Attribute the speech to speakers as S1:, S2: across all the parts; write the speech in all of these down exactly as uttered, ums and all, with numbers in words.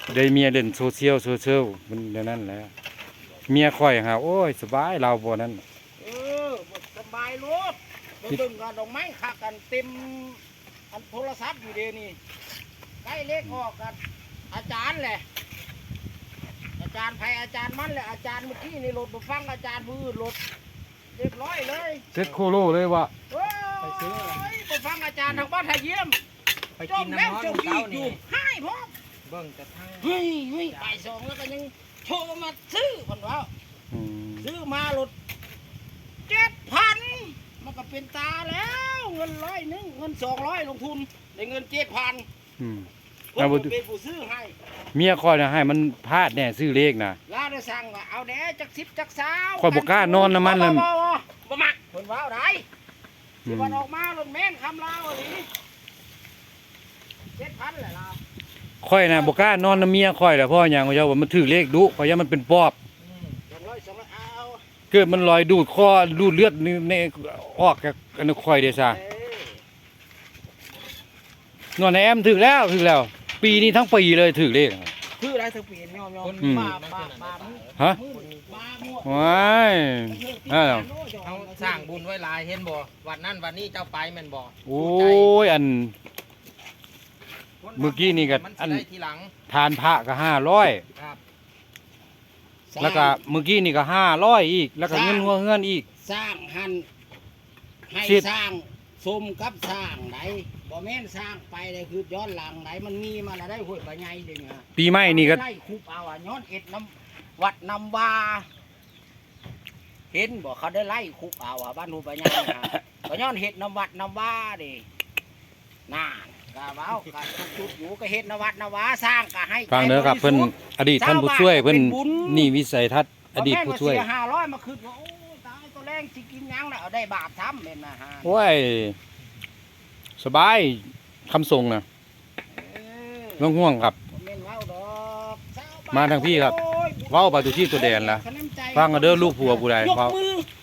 S1: ได้เมียเล่นโซเชียลโซเชียลมันเดี๋ยวนั้นแหละเมียค่อยหาโอ้ยสบายเราบ่นั้น
S2: เออสบายรถไปเบิ่งกันดอกไม้คักกันเต็มอันโทรศัพท์อยู่เดี๋ยวนี้ใกล้เลขออกกันอาจารย์แหละอาจารย์ไผอาจารย์มันแหละอาจารย์เมื่อกี้นี่รถมาฟังอาจารย์มือรถเรียบร้อยเลย
S1: เซ็ตโคโลเลยวะ
S2: โอ้ยไปฟังอาจารย์ทางบ้านไทยเยี่ยม
S3: ไปกินน้ำร้อนของเขานี่
S2: ให้พ่อ
S3: เบิ่งกระทั่ง
S2: เฮ้ยเฮ้ยบ่ายสองแล้วก็ยังโทรมาซื้อคนว่าซื้อมารถเจ็ดพันมันก็เป็นตาแล้วเงินร้อยหนึ่งเงินสองร้อยลงทุนได้เงินเจ็ดพันผมเป็นผู้ซื้อให้
S1: เมียคอยนะให้มันพลาดแน่ซื้อเลขนะ
S2: ลาได้สั่งว่าเอาแด่จักสิบจักสาว
S1: คอยบอกกล้านอนน้ำมันเลย
S2: บ่มักคนว่าอะไรที่วันออกมารถแม่นคำลาวอะไรเจ็ดพันแหละเรา
S1: ค่อยนะบอกกล้านอนน้ำเมียค่อยแหละพ่ออย่างเขาว่ามันถือเลขดุเพราะว่ามันเป็นปอบเกิดมันลอยดูดคอดูดเลือดในออกจากอันค่อยเดซ่านอนในแอมถือแล้วถือแล้วปีนี้ทั้งปีเลยถือเลข
S2: ถืออะไรทั้งปียอมยอมมามามา
S1: ฮะว้าย
S3: เขาสร้างบุญไว้หลายเห็นบ่วันนั้นวันนี้เจ้าไปแม่นบ่
S1: โอ้ยอันเมื่อกี้นี่ก็อันทานพระก็ห้าร้อยแล้วก็เมื่อกี้นี่ก็ห้าร้อยอีกแล้วก็เงินหัวเงินอีก
S2: สร้างหันให้สร้างสมกับสร้างไหนบ่แม่นสร้างไปเลยคือย้อนหลังไหนมันมีมาแล้วได้หวยปะไงเด้ง
S1: ปีใหม่นี่ก็
S2: ได้คุบเอาอ่ะย้อนเอ็ดน้ำวัดน้ำวาเห็นบอกเขาได้ไล่คุบเอาอ่ะบ้านหูปะไงก็ย้อนเห็ดน้ำวัดน้ำวาดิน่ากะเว้ากะจุดอยู่ก็เห็ดนวัดนวาสร้างกะให้
S1: ฟังเด้อครับเพิ่นอดีตท่านผู้ช่วยเพิ่นนี่วิสัยทัศน์อดีตผู้ช่วย
S2: ห้าร้อยมาคืนว่าโอ้ตายตัวแรงสิกินยังน่ะเอาได้บาปทำเป็นนะฮะ
S1: โอ้ยสบายคำส่งนะไม่ต้องห่วงครับมาทางพี่ครับเว้าไปตัวที่ตัวแดนละฟังกันเด้อลูกผัวผู้ใดเพราะ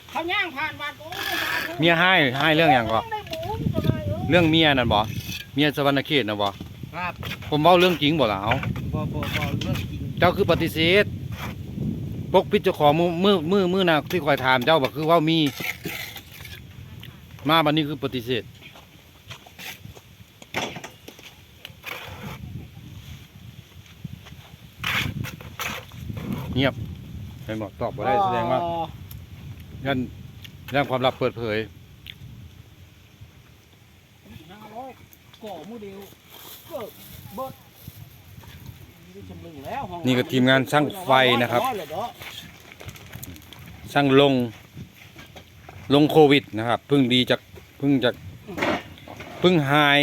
S1: เมียให้ให้เรื่องอย่างก็เรื่องเมียนั่นบ่เมียสวรรณเขตนะบ่
S3: ครับ
S1: ผมเว้าเรื่องจริงบ่ล่ะเอา
S3: บ่บ่บ่เรื่องจริง
S1: เจ้าคือปฏิเสธปกปิดเจ้าของมือมือมือมือน่ะที่คอยถามเจ้าบ่คือว่ามีมาบัดนี้คือปฏิเสธเงียบไปหมดตอบบ่ได้แสดงว่ายันเรื่องความลับเปิดเผยนี่ก็ทีมงานช่างไฟนะครับช่างลงลงโควิดนะครับเพิ่งดีจากเพิ่งจากเพิ่งหาย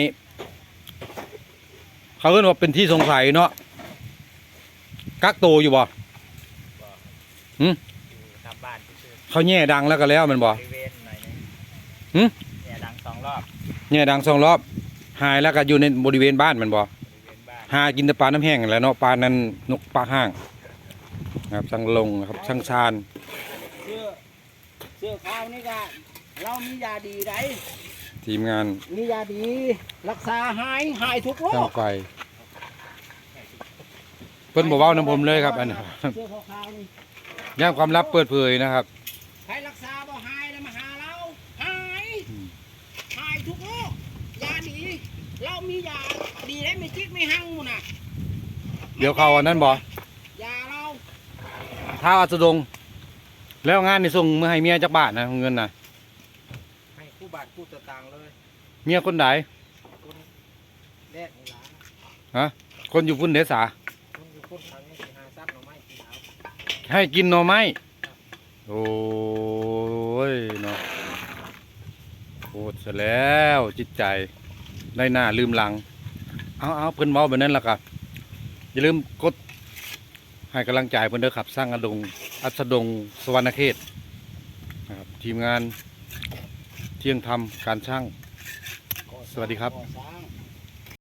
S1: เขาเรียกว่าเป็นที่สงสัยเนาะกักโตอยู่บ่หืมเขาแง่ดังแล้วก็แล้วมันบ่หืม
S3: แง่ดังสองรอบ
S1: แง่ดังสองรอบหายแล้วก็อยู่ในบริเวณบ้านมันบ่หากินแต่ปลาน้ำแห้งแล้วเนาะปลานั้นนกปลาห้างครับช่างลงครับช่างชาญ
S2: เสื้อเสื้อขาวนี่ก็เรามียาดีได
S1: ทีมงาน
S2: มียาดีรักษาหายหายทุกโรค
S1: ช่างไฟเพิ่นบอกว่าน้ำผมเลยครับอันนี้ย่างความลับเปิดเผยนะครับ
S2: ใครรักษาบ่หายแล้วมาหาเราหายหายทุกโรคยาดีเรามียาดีได้ไม่จิกไม่หั่งมูน่ะ
S1: เดี๋ยวเขาอันนั้นบ่
S2: ยาเรา
S1: ท้าอัสดงแล้วงานนี่ส่งมือให้เมียจักบาทนะเงินน่ะ
S3: ให้คู่บาทคู่ตะตางเลย
S1: เมียคนไหน
S3: คนแรกนี่ล่
S1: ะฮะคนอยู่พุ่นเดสา
S3: คนอยู่พุ่นทางนี้หาซับหน่อไม้กินเอา
S1: ให้กินหน่อไม้โอ้ยเนาะโหดซะแล้วจิตใจได้หน้าลืมหลังเอาเอาเพิ่นเว้าแบบนั้นล่ะครับอย่าลืมกดให้กำลังใจเพิ่นเด้อครับสร้างอดงอัสดงสวรรณเขตนะครับทีมงานเที่ยงธรรมการช่างสวัสดีครับ